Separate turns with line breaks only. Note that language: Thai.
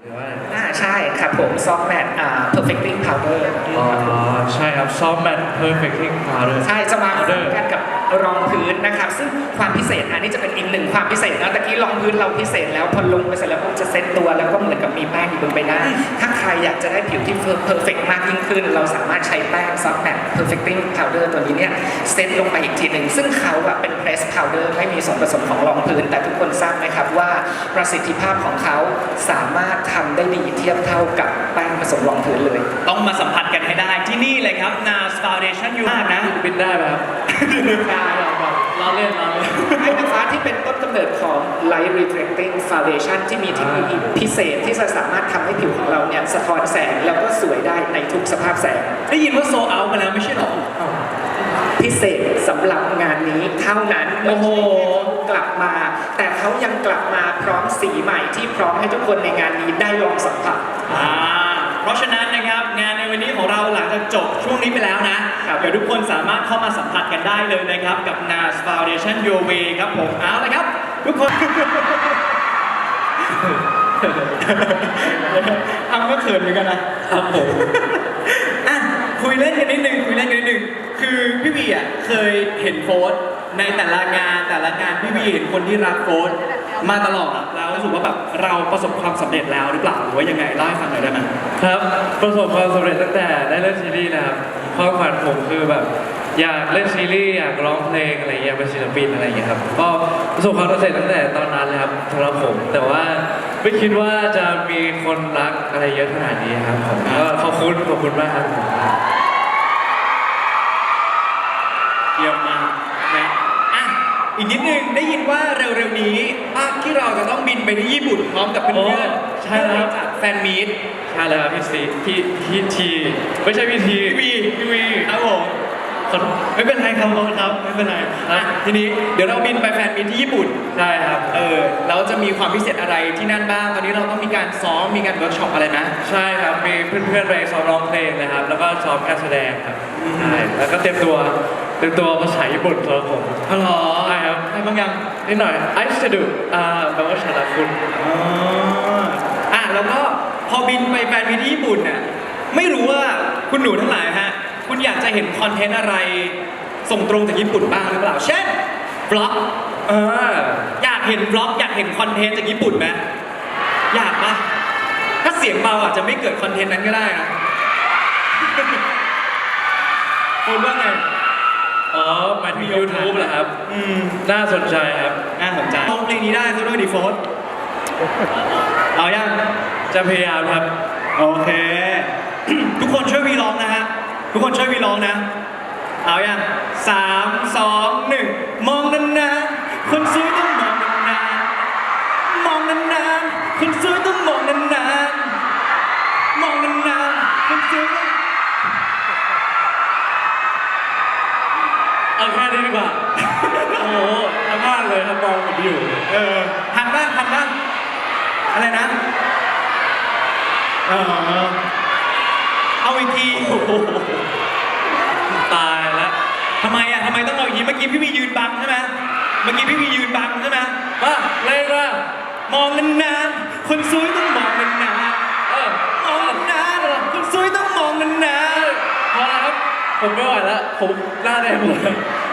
ใช่ครับผมซอฟต์แมทperfecting powder
อ๋อใช่ครับซอฟต์แมท perfecting powder
ใช่จะมาคู่กันกับรองพื้นนะครับซึ่งความพิเศษอันนี้จะเป็นอีกหนึ่งความพิเศษนะตะกี้รองพื้นเราพิเศษแล้วพอลงไปเสร็จแล้วปุ๊บจะเซ็ตตัวแล้วก็เหมือนกับมีแป้งอยู่บนใบหน้าถ้าใครอยากจะได้ผิวที่ perfect มากยิ่งขึ้นเราสามารถใช้แป้ง soft matte perfecting powder ตัวนี้เนี่ยเซ็ตลงไปอีกทีหนึ่งซึ่งเขาอะเป็น press powder ไม่มีส่วนผสมของรองพื้นแต่ทุกคนทราบไหมครับว่าประสิทธิภาพของเขาสามารถทำได้ดีเทียบเท่ากับแป้งผสมรองพื้นเลย
ต้องมาสัมผัสกันให้ได้ที่นี่เลยครับ NARS Foundation อยู่นะ
บินได้ไหมครับ
ได้
เราเล่น
ให้นะคะที่เป็นต้นกำเนิดของ Light Reflecting Foundation ที่มีเทคโนโลยีพิเศษที่จะสามารถทำให้ผิวของเราเนี่ยสะท้อนแสงแล้วก็สวยได้ในทุกสภาพแสง
ได้ยินว่าโซเอามาแล้วไม่ใช่หรอ
พิเศษสำหรับงานนี้เท่านั้น
โอ้โห
กลับมาแต่เขายังกลับมาพร้อมสีใหม่ที่พร้อมให้ทุกคนในงานนี้ได้ลองสัมผัส
เพราะฉะนั้นนะครับงานในวันนี้ของเราหลังจากจบช่วงนี้ไปแล้วนะเดี๋ยวทุกคนสามารถเข้ามาสัมผัสกันได้เลยนะครับกับ NARS Foundation Your Way ครับผมเอาละครับทุกคนทำก็เขินเหมือนกันนะครับผมคุยเล่นกันนิดนึงคือพี่บีอ่ะเคยเห็นโฟสในแต่ละงานพี่บีเห็นคนที่รักโฟสมาตลอดแล้วรู้สึกว่าแบบเราประสบความสำเร็จแล้วหรือเปล่าหรือว่ายังไงเล่าให้ฟังหน่อยได้ไหม
ครับประสบความสำเร็จตั้งแต่ได้เล่นซีรีส์นะครับความฝันผมคือแบบอยากเล่นซีรีส์อยากร้องเพลงอะไรอย่างเงี้ยเป็นศิลปินอะไรอย่างเงี้ยครับก็ประสบความสำเร็จตั้งแต่ตอนนั้นเลยครับสำหรับผมแต่ว่าไม่คิดว่าจะมีคนรักอะไรเยอะขนาดนี้ครับผมก็ขอบคุณมากครับ
เยี่ยมมากนะอีกนิดนึงได้ยินว่าเร็วๆนี้ภาคที่เราจะต้องบินไปที่ญี่ปุ่นพร้อมกับเพื่อน
ๆใช่แล้ว
จัดแฟนมีต
ใช่แล้วพี่ซีพี่ทีไม่ใช่พี่ที
พี่วีครับผมไม่เป็นไรครับไม่เป็นไรทีนี้เดี๋ยวเราบินไปแฟนมีตที่ญี่ปุ่น
ได้ครับ
แล้วจะมีความพิเศษอะไรที่นั่นบ้างตอนนี้เราต้องมีการซ้อมมีการเวิร์กช็อปอะไรนะ
ใช่ครับมีเพื่อนๆไปซ้อมร้องเพลงนะครับแล้วก็ซ้อมการแสดงครับใช่แล้วก็เตรียมตัวภาษาญี่ปุ่นตัวผม
อ๋อเหรอ
ใช่ครับ
ให้บางอย่าง
นิดหน่อยไอซ์จะดูแปลว่าฉันรักคุณ
แล้วก็พอบินไปแฟนมีตที่ญี่ปุ่นน่ะไม่รู้ว่าคุณหนูทั้งหลายฮะคุณอยากจะเห็นคอนเทนต์อะไรส่งตรงจากญี่ปุ่นบ้างหรือเปล่าเช่นบล็อกอยากเห็นบล็อกอยากเห็นคอนเทนต์จากญี่ปุ่นไหมอยากปะถ้าเสียงเบาอาจจะไม่เกิดคอนเทนต์นั้นก็ได้นะคุณว่าไง
หมายถึง YouTube เหรอครับน่าสนใจครับ
น่าสนใจร้องเพลงนี้ได้ซะด้วยดิโฟสเอายัง
จะพยายามครับ
โอเคทุกคนช่วยวีร้องนะฮะทุกคนช่วยวีร้องนะเอายัง3 2 1มองนานๆคนสวยต้องมองนานๆมองนานๆคนสวยต้องมองนานๆมองนานๆคนสวย
เอาแค่นี้ดีกว่าโอ้โหทำบ้านเลยครับมองผมอยู่
ทันบ้างอะไรนะเอาอีกที
ตายแล้ว
ทำไมต้องเอาอย่างนี้เมื่อกี้พี่วียืนบังใช่ไหม
ว่าเล่นว่
ามองนานๆคนสวยต้องมองนานๆมองนานๆคนสวยต้องมองนาน
ๆพอแล้วครับผมไม่ไหวแล้วผมหน้าแดงหมด